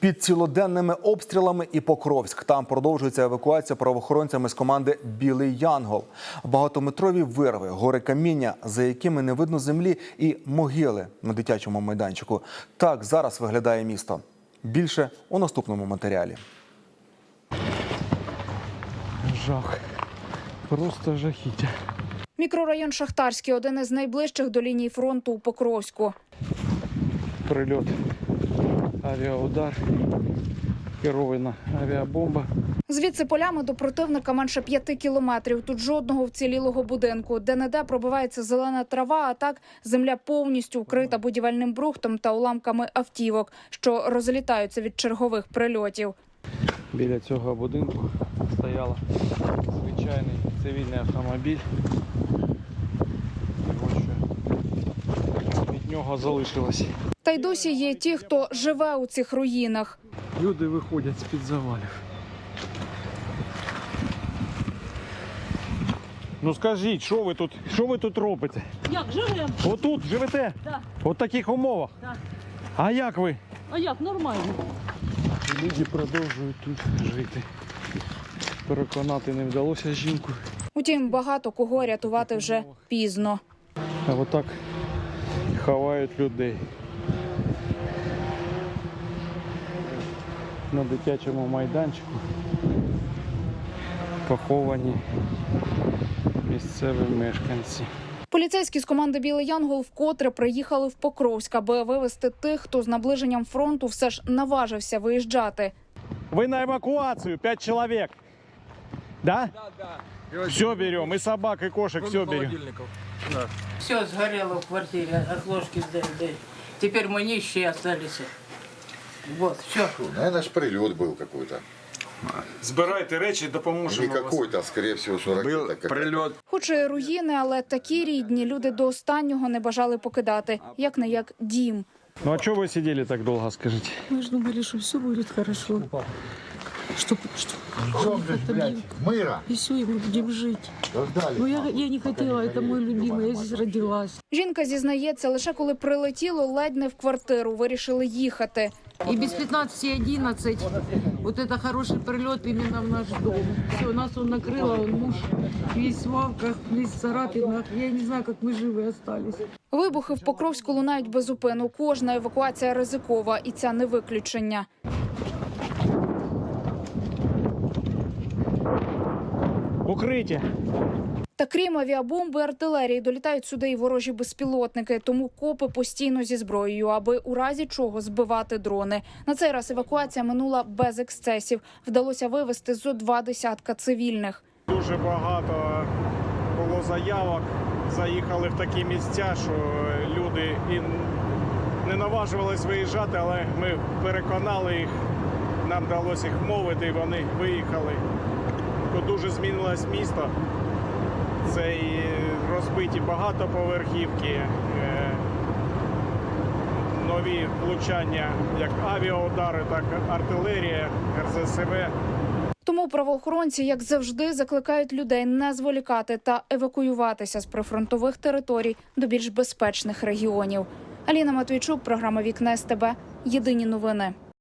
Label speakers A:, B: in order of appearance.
A: Під цілоденними обстрілами і Покровськ. Там продовжується евакуація правоохоронцями з команди «Білий Янгол». Багатометрові вирви, гори каміння, за якими не видно землі, і могили на дитячому майданчику. Так зараз виглядає місто. Більше у наступному матеріалі.
B: Жах. Просто жахіття.
C: Мікрорайон Шахтарський – один із найближчих до лінії фронту у Покровську.
B: Прильот, авіаудар, керована авіабомба.
C: Звідси полями до противника менше 5 кілометрів. Тут жодного вцілілого будинку. Де-не-де пробивається зелена трава, а так земля повністю вкрита будівельним брухтом та уламками автівок, що розлітаються від чергових прильотів.
B: Біля цього будинку стояла звичайний цивільний автомобіль. Ось що від нього залишилось.
C: Та й досі є ті, хто живе у цих руїнах.
B: Люди виходять з-під завалів. Ну скажіть, що ви тут робите?
D: Як живемо?
B: Отут живете?
D: Так.
B: От таких умовах?
D: Так.
B: А як ви?
D: А як? Нормально.
B: Люди продовжують тут жити. Переконати не вдалося жінку.
C: Утім, багато кого рятувати вже пізно.
B: А отак ховають людей. На дитячому майданчику поховані місцеві мешканці.
C: Поліцейські з команди «Білий Янгол» вкотре приїхали в Покровськ, аби вивезти тих, хто з наближенням фронту все ж наважився виїжджати.
B: Вы на эвакуацию, 5 человек. Да?
E: Да.
B: Все берем, и собак, и кошек, все берем.
E: Да.
D: Все сгорело в квартире, от ложки до еды. Теперь мы нищие остались. Вот, все.
F: Наверное, ж прилет был какой-то.
E: Збирайте речі, допоможемо.
F: Не какой-то, а скорее всего, что ракета
E: Був
F: какая-то.
E: прильот.
C: Хоч і руїни, але такі рідні люди до останнього не бажали покидати, як-не-як дім.
B: Ну а что вы сидели так долго, скажите?
G: Мы же думали, что все будет хорошо. Что
F: Мыра!
G: и все, и мы будем жить.
F: Ждали.
G: Но я не хотела, это мой любимый, я здесь родилась.
C: Жінка зізнається, лише коли прилетіло, ледь не в квартиру, вирішили їхати.
G: И без 15:11 вот это хороший прилет именно в наш дом. Все, нас он накрыло, он муж весь в вавках, весь в царапинах. Я не знаю, как мы живы остались.
C: Вибухи в Покровську лунають без зупину. Кожна евакуація ризикова, і ця не виключення.
B: Укрытие.
C: Та крім авіабомби, артилерії, долітають сюди і ворожі безпілотники. Тому копи постійно зі зброєю, аби у разі чого збивати дрони. На цей раз евакуація минула без ексцесів. Вдалося вивезти зо 20 цивільних.
B: Дуже багато було заявок. Заїхали в такі місця, що люди і не наважувались виїжджати, але ми переконали їх, нам вдалося їх мовити, і вони виїхали. Тут дуже змінилось місто. Це і розбиті багатоповерхівки, нові влучання, як авіаудари, так і артилерія, РЗСВ.
C: Тому правоохоронці, як завжди, закликають людей не зволікати та евакуюватися з прифронтових територій до більш безпечних регіонів. Аліна Матвійчук, програма «Вікна СТБ». Єдині новини.